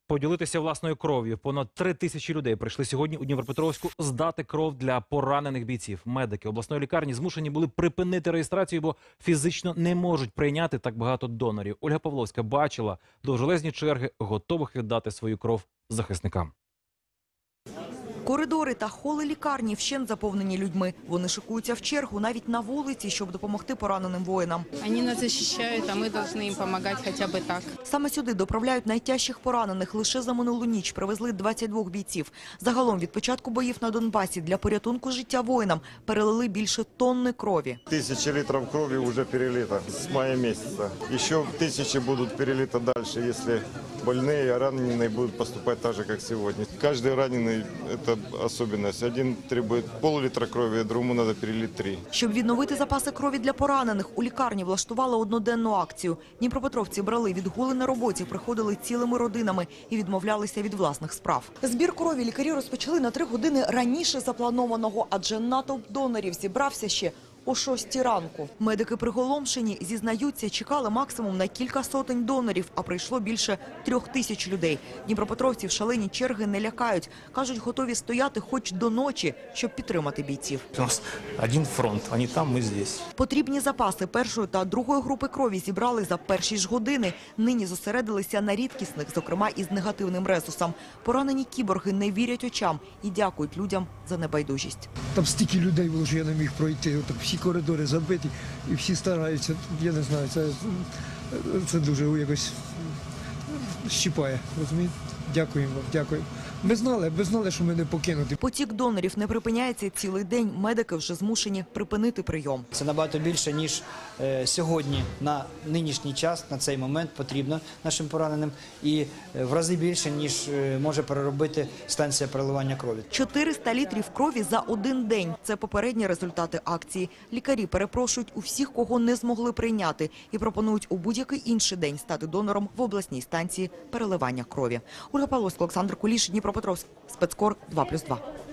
Поділитися власною кров'ю. Понад 3000 людей прийшли сьогодні у Дніпропетровську здати кров для поранених бійців. Медики обласної лікарні змушені були припинити реєстрацію, бо фізично не можуть прийняти так багато донорів. Ольга Павловська бачила довжелезні черги, готових віддати свою кров захисникам. Коридори та холи лікарні вщент заповнені людьми. Вони шикуються в чергу навіть на вулиці, щоб допомогти пораненим воїнам. Вони нас захищають, а ми повинні їм допомагати хоча б так. Саме сюди доправляють найтяжчих поранених. Лише за минулу ніч привезли 22 бійців. Загалом від початку боїв на Донбасі для порятунку життя воїнам перелили більше тонни крові. 1000 литров крови уже перелито с мая месяца. Еще 1000 будут перелиты дальше, если больные, а раненые будут поступать так же, как сегодня. Каждый раненый – это особенность. Один требует пол-литра крови, другому надо перелить 3. Щоб відновити запаси крові для поранених, у лікарні влаштували одноденну акцію. Дніпропетровці брали відгули на роботі, приходили цілими родинами і відмовлялися від власних справ. Збір крові лікарі розпочали на 3 години раніше запланованого, адже натовп донорів зібрався ще о 6 ранку. Медики приголомшені, зізнаються, чекали максимум на кілька сотень донорів, а прийшло більше 3000 людей. Дніпропетровців шалені черги не лякають. Кажуть, готові стояти хоч до ночі, щоб підтримати бійців. У нас один фронт, вони там, ми здесь. Потрібні запаси першої та другої групи крові зібрали за перші ж години. Нині зосередилися на рідкісних, зокрема із негативним резусом. Поранені кіборги не вірять очам і дякують людям за небайдужість. Там стільки людей було, що я не міг пройти. Отак всі коридори забиті і всі стараються. Я не знаю, це дуже якось щіпає. Розумієте? Дякуємо вам, дякую. Ми знали, що ми не покинуті. Потік донорів не припиняється цілий день. Медики вже змушені припинити прийом. Це набагато більше, ніж сьогодні на нинішній час, на цей момент потрібно нашим пораненим. І в рази більше, ніж може переробити станція переливання крові. 400 літрів крові за один день. Це попередні результати акції. Лікарі перепрошують у всіх, кого не змогли прийняти, і пропонують у будь-який інший день стати донором в обласній станції переливання крові. Ольга Павловська, Олександр Куліш, Дніпропетровськ, спецкор 2+2.